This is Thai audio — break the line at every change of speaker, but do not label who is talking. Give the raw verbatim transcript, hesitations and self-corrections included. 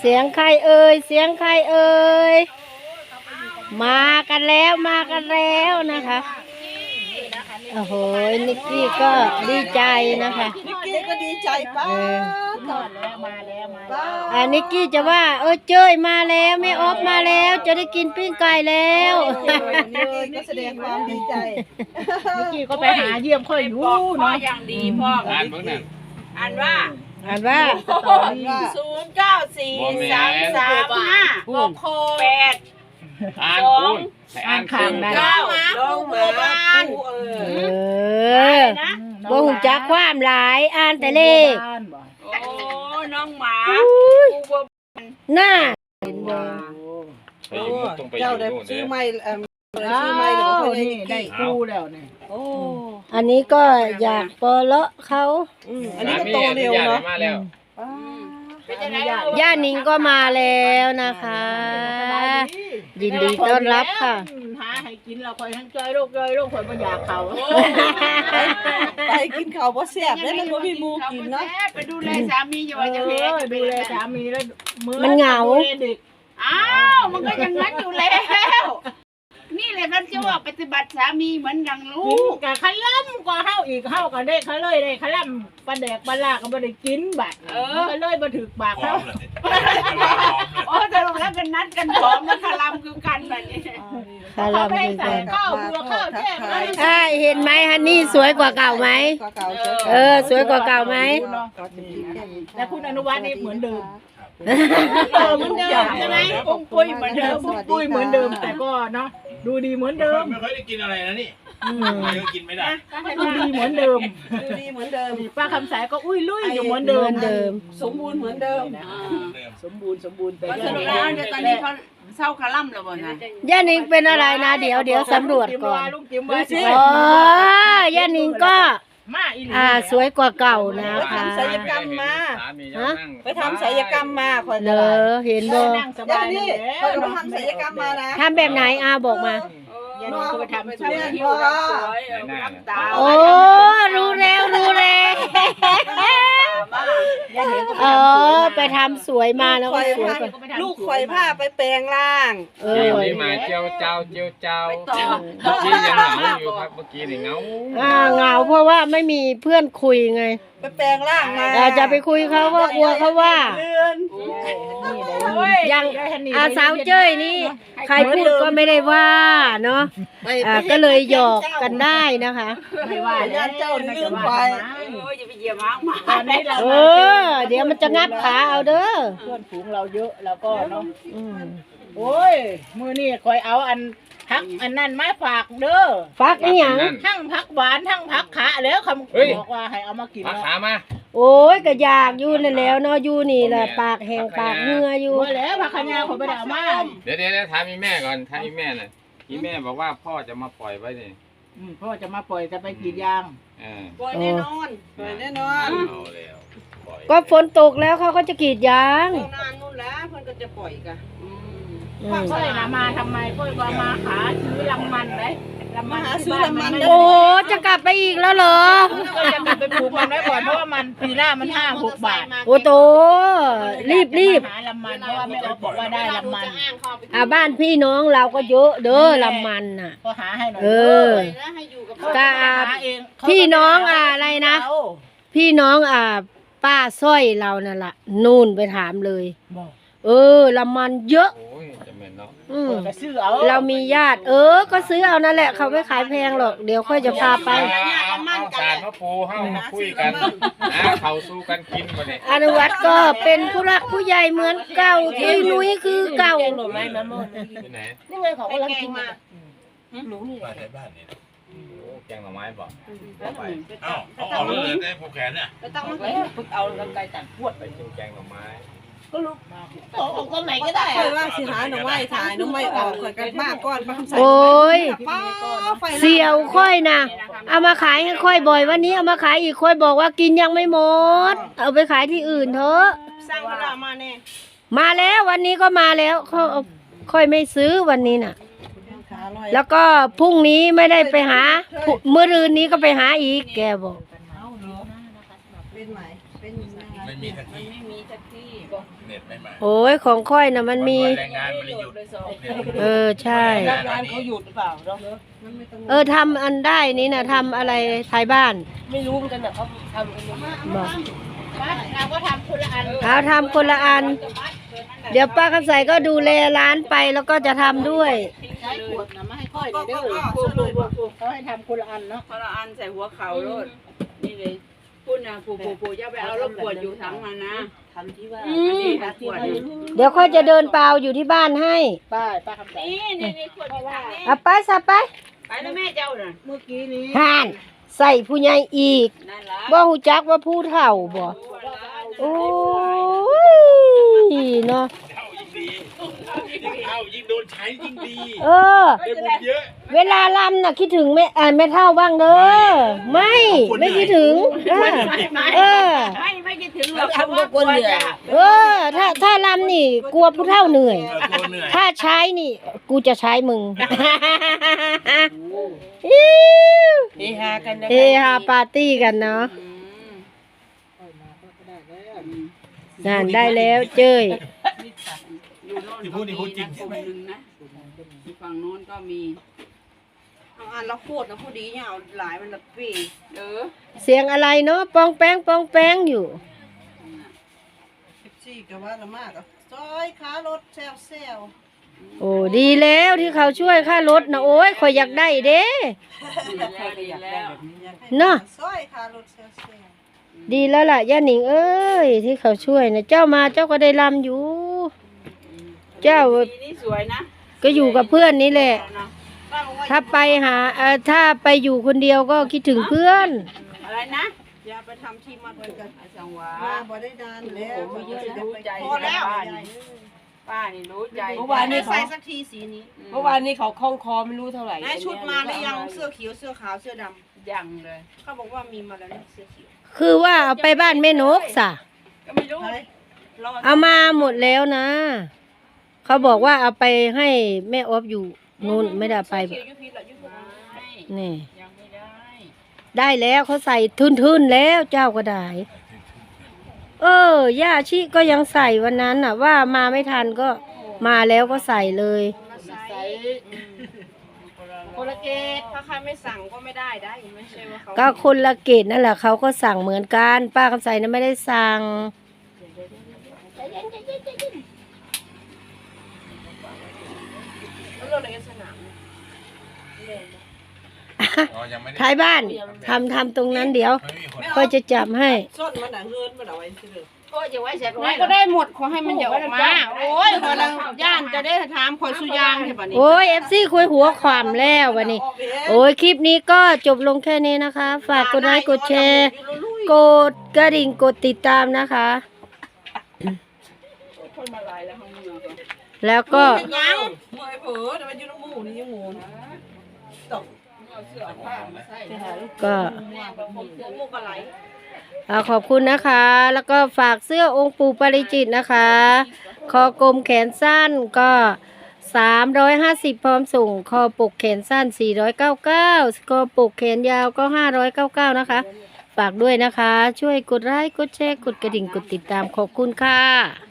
สียงใครเอ่ยเสียงใครเอ่ยมากันแล้วมากันแล้วนะคะโอ้โหนิกกี้ก็ดีใจนะคะ
นิกกี้ก็ดีใจป้าต่อแล้วมาแล้วมาแล้ว
อ่านิกกี้จะว่าเออเจ้ยมาแล้วแม่ออฟมาแล้วจะได้กินปิ้งไก่แล้ว
นิกกี้ก็แสดงความดีใจ
นิกกี้ก็ไปหาเยี่ยมค่อยอยู่เนาะ
อย่างดีพ่ออ่านเบิ่งนั่นอ่านว่า
อ่านว่า
ศูนย์เก้าสี่สามสามห้าหกแปด
อ่านคุณ
อ่านข้างได้
เก้าลงมาบ้านเอ
อบ่หูจักความหลายอ่านแต่เลข
โอ้น้องหมา
น่า
เจ้าได้ชื่อไม่เอ่อชื่อไม่หรือว่า
นี่ได้กูแล้วเนี่ย
โอ้
อันนี้ก็อยากปลาะเขา
อันนี้ก็โตเร็วเนาะ
ย่านิงก็มาแล้วนะคะยินดีต้อนรับค่ะ
หาให้กินเราคอยทั้งจอยโรคจอยโรคคอยบ่อยากเขา
ไปกินเขาบ่แซ่บแล้วมันบ่มีหมูกินเนาะ
ไปดูแลสามีอยู่ว่าจะเฮ็ด
ดูแลสามีแล้ว
มันเหงา
อ้าวมันก็อย่างนั้นอยู่แล้วนี่แหละท่านจะว่าปฏิบัติสามีเหมือนดังลูก
กะขล่ำกว่าเฮาอีกเฮากันได้เขาเลยได้ขล่ำปลาแดกปลาลาก็บ่ได้กินบัดก็เลยบ่ถึกปากเขา
โอ้แต่แล้วกันนัดกันพร้อมแล้วคลำคือกันแบบนี้
คลำคือกัน
ข้าวบัวข้าวแช่
ใช่เห็นไหมฮันนี่สวยกว่าเก่าไหมเออสวยกว่าเก่าไหม
และคุณอนุวัฒน์นี่เหมือนเดิม
เหมือนเดิมใช่ไหมปุ้งปุ้ยเหมือนเดิม
ปุ้งปุ้ยเหมือนเดิมแต่ก็เนาะดูดีเหมือนเดิม
ไม่ค่อยได้กินอะไรนะนี่ไม่ก็กินไม่ได้
ดูดีเหมือนเดิม
ดูดีเหมือนเดิม
ป้าคำสายก็อุ้ยลุยอยู่เหมือนเดิม
เดิม
สมบูรณ์เหมือนเดิม
สมบูรณ์สมบูรณ์แต่
สรุปแล้วเดี๋ยวตอนนี้เขาเศร้าคาล่ำแล้วบ่นะ
ย่านิงเป็นอะไรนะเดี๋ยวเดี๋ยวสำรวจก่อนอ๋อย่านิงก็อ่าสวยกว่าเก่านะคะ
ไปทำศัลยกรรมมาฮะไปทำศัลยกรรมมาคน
เลอเห็นบ่
ย่านี่เขาไปทำศัลยกรรมมานะ
ทำแบบไหนอาบอกมา
น้องไปทำสวย
โอ้รู้แล้วรู้แล้วเออไปทำสวยมาแล้วก็สวยกว่า
ลูกข่อยผ้าไปแปลงร่าง
เออนี่มาเจียวเจ้าเจียวเจ้าเมื่อกี้ยังเหงาอยู่ครับเมื่อกี้นี่เหงา
อ่าเหงาเพราะว่าไม่มีเพื่อนคุยไง
ไปแปลงร่างมา
จะไปคุยเขาก็กลัวเขาว่ายังอาสาวเจ้ยนี่ใครพูดก็ไม่ได้ว่าเนาะก็เลยหยอกกันได้นะคะ
ไม่ว่าญาติเจ้าลืมไป
อย่าไปเหยียบม้ามา
เออเดี๋ยวมันจะงับขาเอาเด้อ
เพื่อนฝูงเราเยอะแล้วก็เนาะโอ้ยมือนี่คอยเอาอันพักอันนั้นมาฝากเด้อ
ฟักอีหยัง
ทั้งพักหวานทั้งพักขาแล้วคำบอกว่าให้เอามากิน
พักขามา
โอ้ยก็อยากอยู่นั่นแล้วเนาะอยู่นี่แหละปากแห้งปากเหงื่ออยู่
แล้วพักขยาผมไปเอามา
เดี๋ยวเดี๋ยวถามมีแม่ก่อนถามมีแม่หน่อยมีแม่บอกว่าพ่อจะมาปล่อยไว้นี่
พ่อจะมาปล่อยจะไปกรีดยาง
ปล่อยแน่นอนปล่อยแน่นอน
ก็ฝนตกแล้วเขาก็จะกรีดยาง
นานนู่นแล้วเพิ่นก็จะปล่อยกัน
ค่อยนะมาทำไมค่อยว่ามาหาซื้อลำมันไหมลำมันหาซื้อลำมัน
โอ้จะกลับไปอีกแล้วเหรอ
ก็จะกลับไปปลูกมันไว้ก่อนเพราะว่ามันปีหน้ามันห้าหกบาท
โอ้โตรีบรีบ
หาลำมันเพราะว่าไม่เอาบอกว่าได้ลำมัน
อ่าบ้านพี่น้องเราก็เยอะเด้อลำมันน่ะ
ก็หาให้หน่อย
เออกาพี่น้องอะไรนะพี่น้องอ่าป้าสร้อยเรานั่นแหละนู่นไปถามเลยเออลำมันเยอะเรามีญาติเออก็ซื้อเอานั่นแหละเขาไม่ขายแพงหรอกเดี๋ยวค่อยจะพาไป
เอาสารมะปูเข้ามาคุยกันนะเขาสู้กันกินมาเนี่ย
อนุวัฒน์ก็เป็นผู้รักผู้ใหญ่เหมือนเก่าที่นุ้ยคือเก่า
หน่อไม้มาหมดนี่ไงเขากำลังกินมา
หนูนี่ในบ้านนี่แกงหน่อไม้บอกเอ้าเอาเอาเลยได้ผูกแขนเนี่ย
ตั้งมันฝึกเอาลำไก่ตัดพวด
ไปกินแกงหน่อไม้
ก็ลุกออกตรงไหนก็ได้
ค่อยว่าสิหาหน่อไม้ถ่ายหน่อไม้ออกค่อยกันมากก่อนมาทำใส่
โอ้ยเสี่ยวค่อยนะเอามาขายให้ค่อยบ่อยวันนี้เอามาขายอีกค่อยบอกว่ากินยังไม่หมดเอาไปขายที่อื่นเถอะ
สร้างเวลามาแน่
มาแล้ววันนี้ก็มาแล้วเขาค่อยไม่ซื้อวันนี้น่ะแล้วก็พรุ่งนี้ไม่ได้ไปหาเมื่อรืนนี้ก็ไปหาอีกแกบอก
เป็นไหมเป็น
ไม่มีทักที
ไม่มีทักที
เน็ตไม่มา
โอ้ยของค่อยนะมันมี
วันแรงงานมันเลยหยุด
เออใช่
รับงานเขาหยุดหรือเปล่าเนาะ
เออทำอันได้นี่นะทำอะไรท้ายบ้าน
ไม่รู้เหมือนกันนะเขาทำกันยังไง
บอก
บ้านเราก็ทำคนละอัน
เอาทำคนละอัน เดี๋ยวป้าคำใสก็ดูแลร้านไปแล้วก็จะทำด้วย
ใช้ขวดนะไม่ให้ค่อย
ก็
เด้
ก็
อ
ก็ช่วยเลยบอก
เขาให้ทำคนละอันเนาะ
คนละอันใส่หัวเข่าโลดนี่เลยพูดนะปูปูปูอย่าไปเอารถขวดอยู่ทั้งมันนะ
ทำที่ว่า
อืม
นี่ขวดนี่
เดี๋ยวค่อยจะเดินเปล่าอยู่ที่บ้านให้
ป้าป้าคำใส
นี่นี่ขวดอยู่ทางนี้
เอาไปซะไป
ไปแล้วแม่เจ้าน่ะ
เมื่อกี้นี้
ห่านใส่ผู้ใหญ่อีก
นั่นละ
บ่หูจักว่าผู้เฒ่าบ่โอ้ยเนาะ
เข้ายิ่งดียิ่งเข้ายิ่งโดนใช้ยิ่งดี
เออ
ได้บุญเยอะ
เวลาลำน่ะคิดถึงแม่อ่าแม่เฒ่าบ้างเด้อไม่ไม่คิดถึงเออเออ
ไม่ไม่คิดถึงหรอกเพราะว่ากลัวจะ
เออ ถ้าถ้าลำนี่กลัวผู้เฒ่าเหนื่อย
เออตัวเหนื่อย
ถ้าใช้นี่ กูจะใช้มึง
เฮฮากันนะ
เฮฮาปาร์ตี้กันเนาะนั่นได้แล้วเจ้ย
อยู่โน่นก็มีนะกลุ่มหนึ่งนะอยู่ฝั่งโน้นก็มี
เอาอันละโคตรนะพอดีเนี่ยเอาหลายมันละปี
เออ
เสียงอะไรเนาะปองแป้งปองแป้งอยู่
สิบสี่ก็ว่าละมากอ่ะซอยขารถแซวแซว
โอ้ดีแล้วที่เขาช่วยค่ารถนะโอ้ยคอยอยากได้เด้
ดีแล้วดีแล้ว
เนาะ
ซอยขารถแซวแซว
ดีแล้วล่ะย่าหนิงเอ้ยที่เขาช่วยนะเจ้ามาเจ้าก็ได้ลำอยู่ เจ้า
สีนี่สวยนะ
ก็อยู่กับเพื่อนนี่แหละ
ป้าบอกว่า
ถ้าไปหาเอ่อถ้าไปอยู่คนเดียวก็คิดถึงเพื่อน
อะไรนะ
อย่าไปทำที่มัดกันกัน
จังหวะ
มาบ่ได้นานแล้ว
ผมไม่รู้ใจ
พอแล้ว
ป้านี่ป้านี่รู้ใจ
เมื่อวานนี้ใส่สักทีสีนี้
เมื่อวานนี้เขาคล้องคอไม่รู้เท่าไหร่
นายชุดมาหรือยังเสื้อเขียวเสื้อขาวเสื้อด
ยังเลย
ำเขาบอกว่ามีมาแล้วนะเสื้อเขียว
คือว่าเอาไปบ้านแม่นกสะ
ก็ไม่รู้
เฮ้ยรอ
เอามาหมดแล้วนะ เขาบอกว่าเอาไปให้แม่ออฟอยู่นู่นไม่ได้เอาไป
เขียวยุพิษละยุพิษ
ไม่
นี่
ยังไม่ได้
ได้แล้วเขาใส่ทุนๆแล้วเจ้าก็ได้ เออย่าชิก็ยังใส่วันนั้นน่ะ ว่ามาไม่ทันก็มาแล้วก็ใส่เลย
มาใส่โคลเกตถ้าใครไม่สั่งก็ไม่ได้ได้ไม่ใช่ว่าเขา
ก็คนละเกตนั่นแหละเขาก็สั่งเหมือนกัน ป้าคำใสนะไม่ได้สั่ง
แล้วเราในสนาม
อ๋อยังไม่ได้
ท้ายบ้านทำทำตรงนั้นเดี๋ยว
ไม่มีคน
ก็จะจับให้
ส้นมันหนังเงินมันเอาไว้ซื้อ
ก็จะไว้เสร็จ
ไม่ก็ได้หมดขอให้มันอย่าออกมา โอ้ยคนละย่านจะได้ถามคนสุยางใช่ปะนี่
โอ้ยเอฟซีคุยหัวความแล้ววันนี้ โอ้ยคลิปนี้ก็จบลงแค่นี้นะคะ ฝากกดไลค์กดแชร์ กดกระดิ่งกดติดตามนะคะ
คนมาลายแล้วห้องเมือง
แล้วก็
ยังมวยเผลอแต่มันอยู่ในหมูนี่ยังหมูตก
เอาเสื้อผ้ามาใส่
ก็
หมูกระไหล
อ่าขอบคุณนะคะ แล้วก็ฝากเสื้อองค์ปู่ปาริจิตนะคะ คอกลมแขนสั้นก็สามร้อยห้าสิบพร้อมส่ง คอปกแขนสั้นสี่ร้อยเก้าสิบเก้าคอปกแขนยาวก็ห้าร้อยเก้าสิบเก้านะคะ ฝากด้วยนะคะ ช่วยกดไลค์กดแชร์กดกระดิ่งกดติดตามขอบคุณค่ะ